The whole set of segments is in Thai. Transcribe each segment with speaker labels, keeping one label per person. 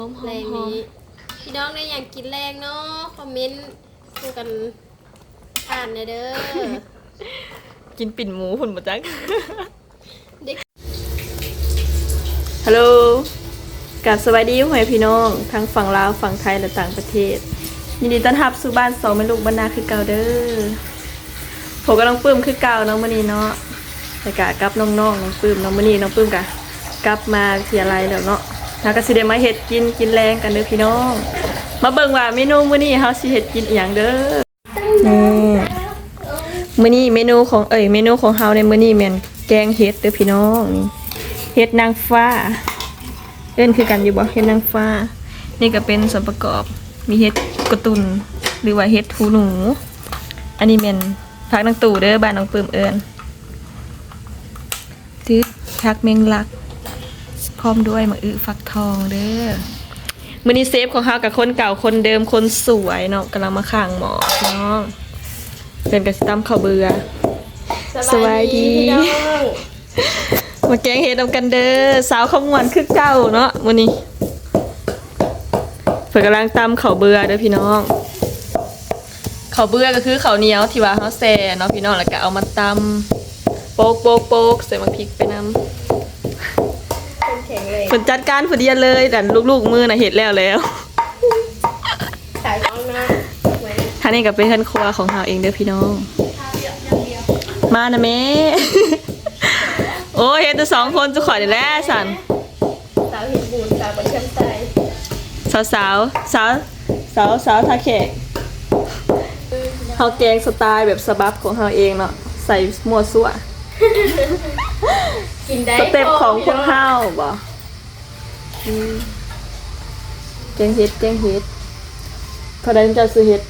Speaker 1: แรงนี้พี่น้องได้อยากกินแรงเนาะคอมเมนต์ดูกันอ่านเด้อ
Speaker 2: กินปิ่นหมูหุ่นบ่จัก
Speaker 1: เด็ก
Speaker 2: ฮัลโหลกับสวัสดีพ่อแม่พี่น้องทั้งฝั่งลาวฝั่งไทยและต่างประเทศยินดีต้อนรับสู่บ้านสองแม่ลูกบรรณาคือเก่าเด้อผมก็น้องปื้มคือเก่าน้องมื้อนี้เนาะแต่กะกับน้องๆน้องปื้มน้องมื้อนี้น้องปื้มกะกลับมาเที่ยไรแล้วเนาะแล้วก็สิได้มาเฮ็ดกินแรงกันเด้อพี่น้องมาเบิ่งว่าเมนูมื้อนี้เฮาสิเฮ็ดกินอีหยังเด้อมื้อนี้เมนูของเฮาในมื้อนี้แม่นแกงเห็ดเด้อพี่น้องนี่เห็ดนางฟ้าเอิ้นคือกันอยู่บ่เห็ดนางฟ้านี่ก็เป็นส่วนประกอบมีเห็ดกระตุนหรือว่าเห็ดหูหนูอันนี้แม่นผักนางตู่เด้อบ้านน้องปื้มเอิ้นตึกผักแมงลักพร้อมด้วยมะอึฟักทองเด้อมื้อนี้เซฟของเฮากับคนเก่าคนเดิมคนสวยเนาะกำลังมาข้างหมอพี่น้องเป็นกระสิตำข้าวเบื่อสวัสดี
Speaker 1: พี่น้อง
Speaker 2: มาแกงเห็ดนำกันเด้อสาวขมวนคือเก่าเนาะมื้อนี้เพิ่นกำลังตำข้าวเบื่อเด้อพี่น้องข้าวเบื่อก็คือข้าวเหนียวที่ว่าเฮาแซ่เนาะพี่น้องแล้วก็เอามาตำโปกใส่มะพริกไปนำ
Speaker 1: คนแข็งเลย
Speaker 2: เพิ่นจัดการผู้เดียวเลยแต่ลูกๆมือน่ะเฮ็ดแล้ว
Speaker 1: สายน้องนะเหมือน
Speaker 2: ท่านี่ก็เป็นท่านครัวของเฮาเองเด้อพี่น้องมานะแม่ โอ้ยเฮ็ดแต่2คนจะขอได้แล้วสั่น
Speaker 1: สาวเห็นบูนสาวบันเทิงใจ
Speaker 2: สาวทาแขกเฮาแกงสไตล์แบบสบับของเฮาเองเนาะใส่มั่วซั่ว
Speaker 1: กินได้
Speaker 2: สเต็ปของพวกเฮาบ่แกงเฮ็ดเท่าใดจะซื้อเฮ็ด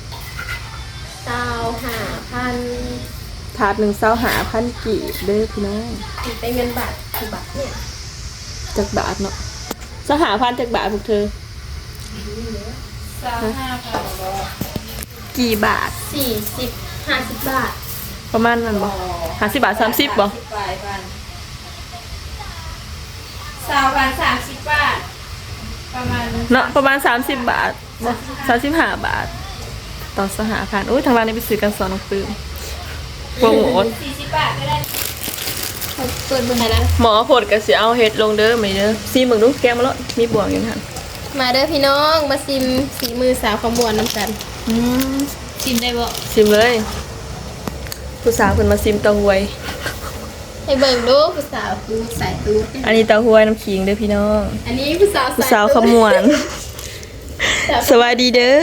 Speaker 1: 25,000
Speaker 2: ถาดหนึ่ง25,000กีบเด้อพี่น้อง
Speaker 1: เป็นเงินบาทกี่บาทเนี่ย
Speaker 2: จักบาทเนาะ25,000จักบาทพวกเธอ กี่บาท
Speaker 1: 40-50 บาท
Speaker 2: ประมาณนั้นบ่50 บาท30บ่
Speaker 1: 30 บาทประมาณ
Speaker 2: เนาะประมาณ30 บาทบ่35 บาทต่อ25,000โอ้ยทางร้านนี้ไปซื้อกันสอนน้องปื้มโปรโมท
Speaker 1: 40 บาทก็ได้เปิดมือไหนนะ
Speaker 2: หมอผดก็สิเอาเฮ็ดลงเด้อมื้อนี้เด้อซีมึงดูแกงมาแล้วมีบวงอยู่หั่น
Speaker 1: มาเด้อพี่น้องมาซิมสีมือสาวขมวนน้ำกันซิมได้บ่
Speaker 2: ซิมเลยผู้สาวเพิ่นมาซิมเต้าหวย
Speaker 1: ให้เบิ่งดูผู้สาวดูสายตูด
Speaker 2: อันนี้เต้าหวยน้ำขิงเด้อพี่น้อง
Speaker 1: อันนี้ผู้สาว
Speaker 2: ผู้สาวขมวน สวัสดีเด้อ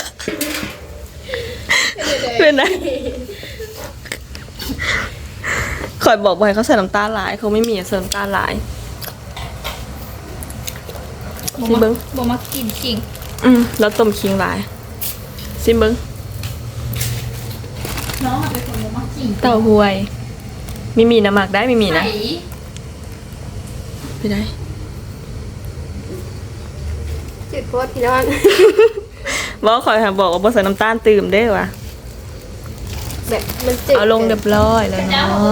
Speaker 2: เป็นไงคอยบอกบ่ให้เขาใส่น้ำตาลหลายเขาไม่มีใส่น้ำตาลหลายซิมเบิ้ง
Speaker 1: บ่มากินจริง
Speaker 2: แล้วต้มขิงหลายซิมเบิ้ง
Speaker 1: น้องเป็นคนบ่มากิน
Speaker 2: เต้าหวยไม่มีน้ำหมักได้ไม่มีนะไม่ได้
Speaker 1: จุดโพสพี่น้อง
Speaker 2: บอกคอยค่ะบอกว่าบ่ใส่น้ำตาลตื่มได้อว่ะ
Speaker 1: แบบมันจืด
Speaker 2: เอาลงเรียบร้อยแล้วเนาะ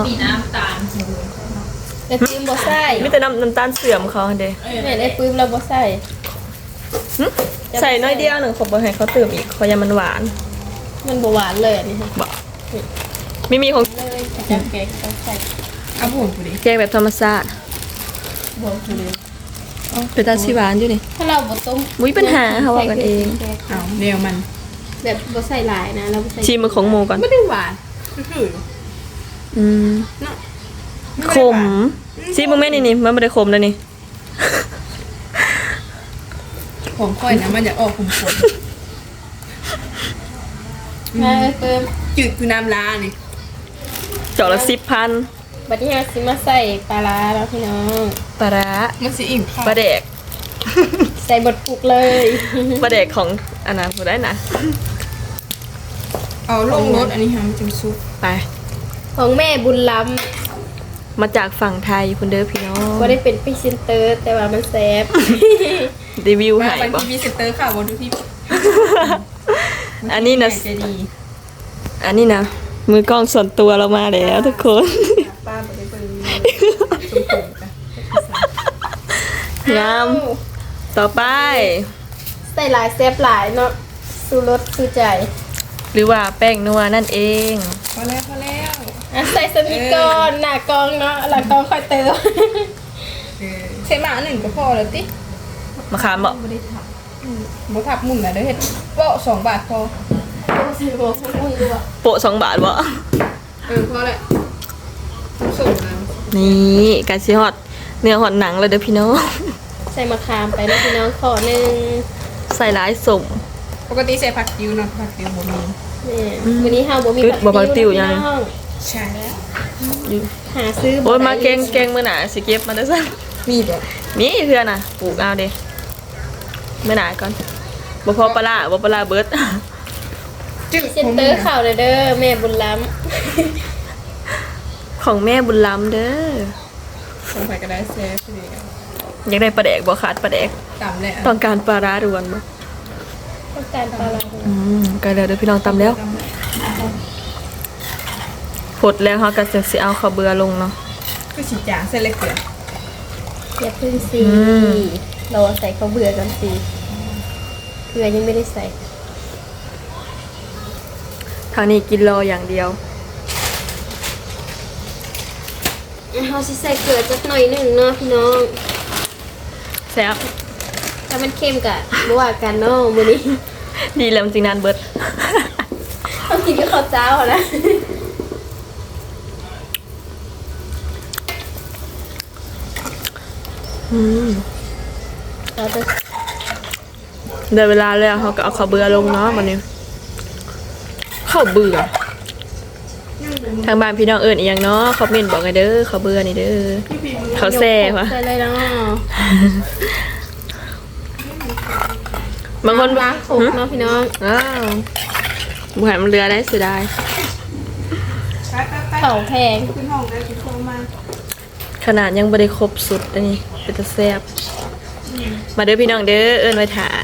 Speaker 1: แต่ปื้มบ่ใส่
Speaker 2: มีแต่น้ำตาลเสื่อมเขาเด้
Speaker 1: แม่ได้ปื้มเราบ่ใส่
Speaker 2: ใส่น้อยเดียวหนึ่งขอบบ่ให้เขาตื่มอีกขอยามันหวาน
Speaker 1: มันบ่หวานเลยอันนี้ค่ะ
Speaker 2: บอกไม่มีของ
Speaker 1: เลยจังแกงต้องใส่
Speaker 3: เอาบุ๋มกูดิ
Speaker 2: แกงแบบธรรมชาติ
Speaker 1: บ่กูเลย
Speaker 2: เป็นตาชีหวานอยู่นี่
Speaker 1: ถ้าเราบ่ต้ม
Speaker 2: มุ้ยปัญหาเขาว่ากันเอง
Speaker 3: เอาเดียวมัน
Speaker 1: แบบบ่ใส่หลายนะเราบ่ใส่
Speaker 2: ชิมมือของโมก่อน
Speaker 3: ไม่ได้หวานคือ
Speaker 2: อืมขมชิมมึงแม่นี่มันไม่ได้ขมแล้วนี่
Speaker 3: ของค่อยนะมันจะออกขมขน
Speaker 1: มาเพิ่ม
Speaker 3: จืดคือน้ำลานี่
Speaker 2: จอกละ10,000
Speaker 1: บัดนี้เราสิมาใส่ปลาร้าแล้วพี่น้อง
Speaker 2: ปลาร้า
Speaker 3: มันสิอิ่มค่ะ
Speaker 2: ปลาแดก
Speaker 1: ใส่บดปลุกเลย
Speaker 2: ปลาแดกของอันนั้นบ่ได้นะ
Speaker 3: เอาลงรถอันนี้ฮะมันจะซุป
Speaker 2: ไป
Speaker 1: ของแม่บุญล้
Speaker 2: มาจากฝั่งไทยคุณเด้อพี่น้อง
Speaker 1: ำก็ได้เป็นพรีเซนเตอร์ แต่ว่ามันแซ่บ
Speaker 2: รีวิว
Speaker 3: มา
Speaker 2: ให้
Speaker 3: บาง
Speaker 2: บ่
Speaker 3: ทีมีเซนเตอร์ค่ะบนทุกที่
Speaker 2: อันนี้นะ
Speaker 3: จะดี
Speaker 2: อันนี้นะมือกล้องส่วนตัวเรามาแล้วทุกคน
Speaker 3: ป้าไปได้เบิ่ง
Speaker 2: งามต่อไป
Speaker 1: ใส่หลายแซ่บหลายเนาะสูรสคือใจ
Speaker 2: หรือว่าแป้งนัวนั่นเอง
Speaker 3: พอแล้วพอแล้ว
Speaker 1: อ่ะใส่สมิกอนหน้ากองเนาะหลังกองค่อยเติม
Speaker 3: ใส่หมาหนึ่งก็พอแล้วติ
Speaker 2: มะขามบอก
Speaker 3: บ่ได้ทับบ่ทับมุ่นน่ะเด้อเฮ็ดโปะ2 บาทพอ
Speaker 1: ใส่หัวฟุ้งๆดูอ่ะ
Speaker 2: โปะ2 บาทบ่
Speaker 3: พอแล้วส่งนะ
Speaker 2: นี่การชิฮอตเนื้อหอดหนังเลยเด้อพี่น้อง
Speaker 1: ใส่มะขามไปนะพี่น้องขอหนึ่ง
Speaker 2: ใส่หลายสม
Speaker 3: ปกติใส่ผักติ้วเนาะผักติ้วบ่มี
Speaker 1: นี่วันนี้เฮาบ่มี
Speaker 2: อึดบ่ผักติ้วยัง
Speaker 1: พี่น้อง
Speaker 3: ใช่แล้ว
Speaker 1: หาซื้อ
Speaker 2: โอ้ย
Speaker 1: บ่ได้
Speaker 2: มาแกงมื้อหน้าสิเก็บมาได้อซะ
Speaker 3: มีบ่
Speaker 2: มีเพื่อนน่ะปลูกเอาเด้มื้อหน้าก่อนบ่พอปลาร้าบ่ปลาร้าเบิด
Speaker 3: จึ๊ก
Speaker 1: เซ็นเตอร์ข่าวเลยเด้อแม่บุญล้
Speaker 2: ของแม่บุญล้ำเด้อ
Speaker 3: ผมไปก็ได้แซ่บพอดีกัน
Speaker 2: อยากได้ปลาแดกบ่ขาดปลาแดก
Speaker 3: ตำแหละ
Speaker 2: ต้องการปลาร้าด่วนบ่
Speaker 1: ำต้องการปลาร้า
Speaker 2: ใกล้แล้วเด้อพี่น้องตำแล้วพดแล้วเฮาก็จะสิเอาข้าวเบื่อลงเนาะ
Speaker 3: คือสิจางเส้นเล็กเกลือ
Speaker 1: อย่าพึ่งสิ
Speaker 2: ม
Speaker 1: เราใส่ข้าวเบื่อกันสิเกลือยังไม่ได้ใส่
Speaker 2: ทางนี้กินรออย่างเดียว
Speaker 1: เราสิใส่เกลือจักหน่อยหนึ่งเนาะพี่น้อง
Speaker 2: แซ่บ
Speaker 1: ถ้ามันเค็มกะบ่ว่ากันเนาะมื้อนี้
Speaker 2: ดีแล้วจริงนานเบิด
Speaker 1: ต้องกินกับข้าวเจ้านะ เราจะ
Speaker 2: ได้เวลาแล้วเขาก็เอาข้าวเบื่อลงเนาะวันนี้ข้าวเบื่อทางบ้านพี่น้องเอิญอีกอย่างเนาะคอมเมนต์บอกไงเด้อข้าวเบื่อนี่เด้อข้าวแซ่วะ
Speaker 1: ใส่เลยเนาะ
Speaker 2: บางคน
Speaker 1: ล้างขกเนาะพี่น้อง
Speaker 2: อ้าวบุหันมันเรือได้เสียดาย
Speaker 3: ไป
Speaker 1: เขาแพง
Speaker 3: ขึ้นห้องได้กินโทรมา
Speaker 2: ขนาดยังไม่ได้ครบสุดอันนี้เป็นตะแซ่บมาเด้อพี่น้องเด้อเอิญไว้ถา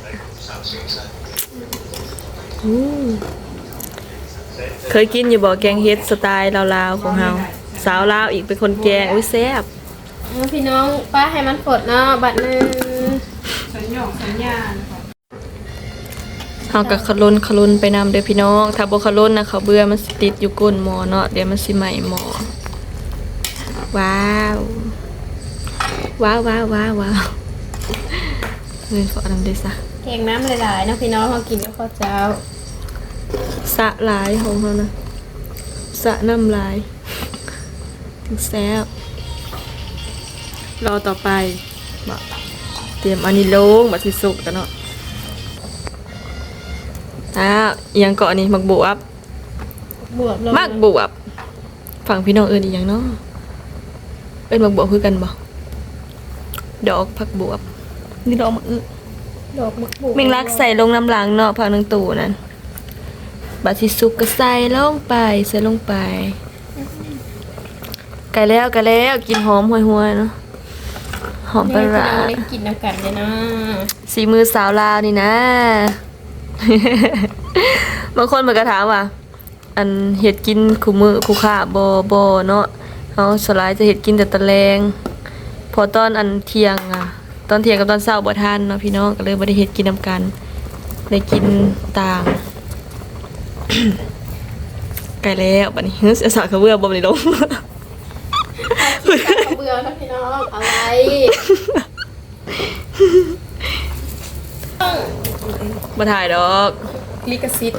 Speaker 2: อืมเคยกินอยู่บ่แกงเฮ็ดสไตล์ลาวๆของเฮาสาวลาวอีกเป็นคนแกงอุ้ยแซ่บ
Speaker 1: เอาพี่น้องป้าให้มันฝดเนาะบัดหนึง
Speaker 3: สัญญาสัญญานะคะ
Speaker 2: เฮาก็ขลุนไปนำเด้อพี่น้อง ถ้าบ่ขลุนนะเขาวเบื่อมันสิติดอยู่ก้นหม้อเนาะเดี๋ยวมันสิไหม้หม้อว้าวว้าวว้าวว้าวว้าวเงินฝอน้ำได้ซะ
Speaker 1: แกงน้ำหลายๆเนาะพี่น้องเขากินกับข้าวเจ้า
Speaker 2: สะหลายของเขานะสะน้ำลายถึงแซ่บรอต่อไปมาเตรียมอันนี้ลงบัดสิสุกกันเนาะอ้าวอิหยังเกาะนี่มักบวบบ
Speaker 1: วบลง
Speaker 2: มักบวบฝั่งพี่น้องเอิญอีกอย่างเนาะเอิญมักบวบคือกันบ่ดอกผักบวบนี่ดอกมักอึ
Speaker 1: ดอกมะกรูด
Speaker 2: เมงลักใส่ลงน้ำหลังเนาะผักหนึ่งตู่นั่นบัดสิสุกก็ใส่ลงไปใส่ลงไปไก่แล้วกินหอมห่วยๆเนาะหอมปลาร้า
Speaker 1: ได้กินน้ำกันเลยนะ
Speaker 2: สีมือสาวลาวนี่นะ บางคนมันก็ถามว่า อันเห็ดกินคู่มือคู่ค่าบ่เนาะเฮาสลายจะเห็ดกินแต่ตะแลงพอตอนอันเที่ยงอะตอนเที่ยงกับตอนเช้าบ่ทันเนาะพี่น้องก็เลยบ่ได้เฮ็ดกินนำกันได้กินต่าง ไกลแล้วบัดนี้เสียสากกระเบื้อบ่ได้ลง
Speaker 1: ข้าวเบื่อนะพี่น้องอะไร
Speaker 2: บ่ถ่ายดอก
Speaker 3: ลิขสิทธิ์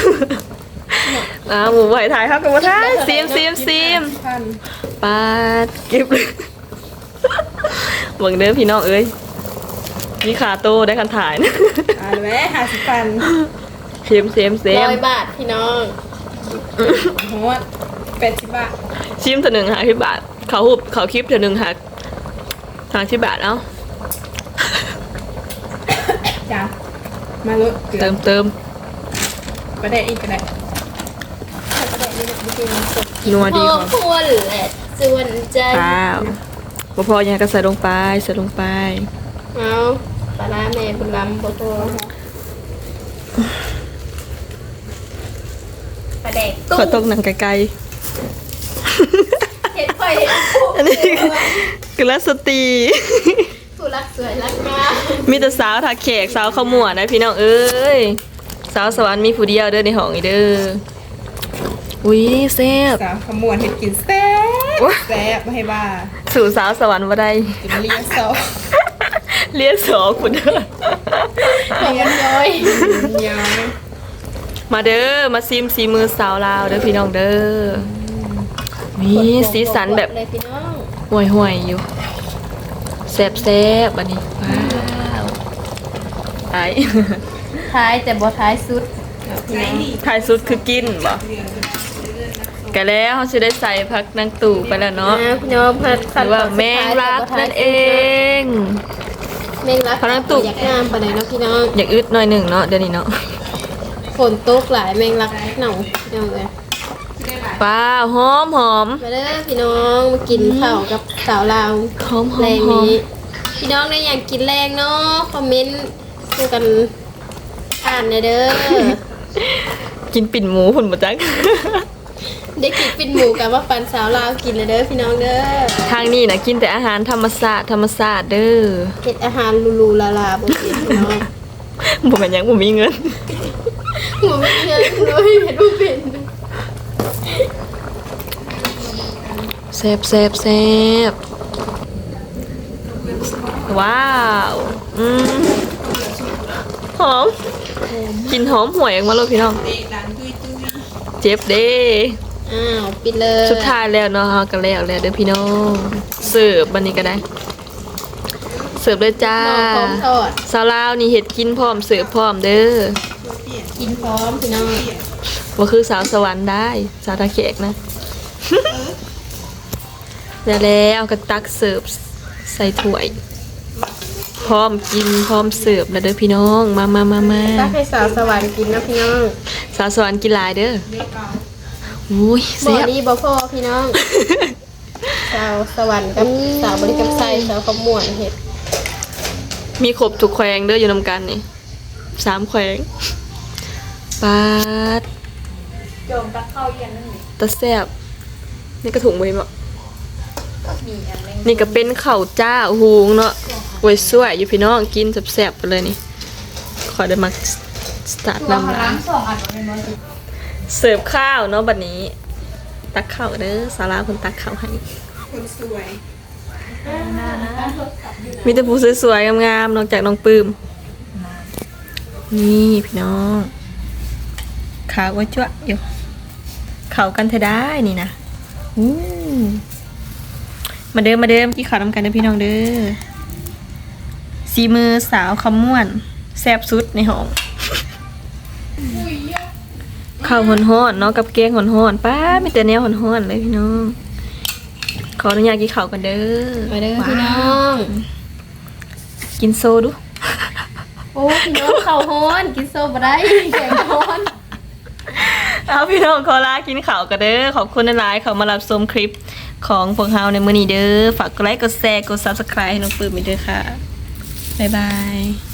Speaker 2: หมูไหวถ่ายครับกับบ่ถ่ายซีม
Speaker 3: พัน
Speaker 2: ปาดเก็บเลยเบิ่งเด้อพี่น้องเอ้ยมีขาโตได้คันถ่ายนะ
Speaker 3: แม่50,000
Speaker 2: เซม
Speaker 1: 100 บาทพี่น้อง
Speaker 3: โหด80 บาท
Speaker 2: ชิมเถอะหนึ่ง50 บาทเขาหุบเขาคลิปเถอะหนึ่งหัก50 บาทเอ้า
Speaker 3: จ้ามาลดเกลือ
Speaker 2: เติม
Speaker 3: ไปได้อีกก็ได้
Speaker 2: นัวดี
Speaker 1: พอ
Speaker 2: ของ
Speaker 1: ควรแหละส่วนใจ
Speaker 2: ป้าวบ่พอยังก็ใส่ลงไป
Speaker 1: เอาปลาร้าแม่บุญล้ำบ่พอปลาแดก
Speaker 2: ขอตกหนังไกล
Speaker 1: เห็ดไข่เห็ด
Speaker 2: ๆอันนี้กุลสตรี
Speaker 1: สุรักสวยรักงาม
Speaker 2: มีแต่สาวทักแขกสาวขมวดนะพี่น้องเอ้ยสาวสวรรค์มีผู้เดียวเด้อในห้องอีเด้ออุ้ยแซ่บ
Speaker 3: สาวขมวนเห็ดกินแซ่บ
Speaker 2: โอ๊ย
Speaker 3: แซ่บไม่ให้บ้า
Speaker 2: สู่สาวสวรรค์บ่ได้
Speaker 3: จนเลี้ยงเศร้า
Speaker 2: เรียกสอคุณเด้อ
Speaker 1: ของมันย้อย
Speaker 3: ย้อย
Speaker 2: มาเด้อมาซิมสีมือสาวลาวเด้อพี่น้องเด้อมีสีสันแบบ
Speaker 1: เลยพี่น้อง
Speaker 2: ห่วยๆอยู่แซ่บๆอันนี้ว้าวไอ้
Speaker 1: ท้ายแต่บ่ท้ายสุด
Speaker 2: ถ่ายสุดคือกินบ่กันแล้วเขาจะได้ใส่พักนางตู่ไปแล้วเนาะ
Speaker 1: นะพี่น้องผัด
Speaker 2: หรือว่าแมงลักนั่นเอง
Speaker 1: แมงลัก
Speaker 2: พนักตุก
Speaker 1: อยากงามปานใดเนาะพี่น้อง
Speaker 2: อยากอึดหน่อยหนึ่งเนาะเดี๋ยวนี้เนาะ
Speaker 1: ฝนตกหลายแมงลักเหน่าพี่น้องเอ้ย
Speaker 2: ว้าวหอมหอม
Speaker 1: มาเด้อพี่น้องมากินข้าวกับสาวลาว
Speaker 2: หอมหอ
Speaker 1: แร
Speaker 2: ม
Speaker 1: ง
Speaker 2: หอม
Speaker 1: นี้พี่น้องได้อยากกินแรงเนาะคอมเมนต์ดูกันอ่านหน่อยเด้อ
Speaker 2: กินปิ่นหมูผุนมาจัก
Speaker 1: ได้กินปิ่นหมูกับว่าปันสาวลาวกินเลยเด้อพี่น้องเด้อ
Speaker 2: ทางนี้นะกินแต่อาหารธรรมศาสตร์ธรรมศาสตร์เด้อ
Speaker 1: เฮ็ดอาหารลูๆลาๆบ่กินพี่น้อง
Speaker 2: บ่แม่นหยังบ่มีเงิน
Speaker 1: หัวไม่เยอะเลยเห็นบ่เป็น
Speaker 2: แซ่บแซ่บแซ่บว้าวหอมกลินหอมห่วยออกมาเลยพี่น้องเจ็บเด้
Speaker 1: อ้าวปิดเลย
Speaker 2: สุดท้ายแล้วเนาะเฮาก็แล้วเด้อพี่น้องเสิร์ฟบัดนี้ก็ได้ เสิร์ฟเลยจ้า
Speaker 1: หม้อพร้อมทอด
Speaker 2: สาวลาวนี่เฮ็ดกินพร้อมเสิร์ฟพร้อมเด้อ
Speaker 1: กินพร้อมพี่น้อง
Speaker 2: บ่คือสาวสวรรค์ได้ สาวตาแขกนะ แล้วก็ตักเสิร์ฟใส่ถ้วย พร้อมกินพร้อมเสิร์ฟแล้วเด้อพี่น้องมา
Speaker 1: ตักให้สาวสวรรค์กินนะพี่น้อง
Speaker 2: สาวสวรรค์กินหลายเด้ออุ้ย
Speaker 1: บ่
Speaker 2: แซ่บ
Speaker 1: ดีบ่พอพี่น้อง สาวสวรรค์กับสาวบริกับไซสาวขมวนเฮ็ด
Speaker 2: มีครบทุกแขวงเด้ออยู่นำกันนี่3แขวงปาด
Speaker 3: โจมตักเข้าเย็นนั่นนี่
Speaker 2: ตะแซ่บนี่กระถุงบ่เห็นบ่
Speaker 3: มีอันนึง
Speaker 2: นี่ก็เป็นข้าวจ้าหูงเนาะโอ้ยสวยอยู่พี่น้องกินแซ่บๆไปเลยนี่ขอได้มาสตาร์ทนำร้าน
Speaker 3: 2 อันเป็นน้อย
Speaker 2: เสิร์ฟข้าวเนาะบัดนี้ ตักข้าวเด้อสาราคนตักข้าวให้
Speaker 3: คนสวย
Speaker 2: มีแต่ผู้สวยๆงามๆนอกจากน้องปื้มนี่พี่น้องขาวว่าจ้วะอยู่เข้ากันเธอได้นี่นะอู้มาเดิมกี่ข้าวนำกันเด้อพี่น้องเด้อสีมือสาวคำม่วนแซ่บสุดในห้องข้าวฮ้อนๆเนาะกับแกงฮ้อนๆป้ามีแต่แนวฮ้อนๆเลยพี่น้องขออนุญาตกินข้าวกันเด้อ
Speaker 1: มาเด้อพี่น้อง
Speaker 2: กินโซดู
Speaker 1: โอ้พี่น้องข้าวฮ้อนกินโซบ่ได้แกงฮ้อน
Speaker 2: เอาพี่น้องขอลากินข้าวกันเด้อขอบคุณหลายๆเขามารับชมคลิปของพวกเราในมื้อนี้เด้อฝากกดไลค์กดแชร์กด Subscribe ให้น้องปื้มไปด้วยค่ะบ๊ายบาย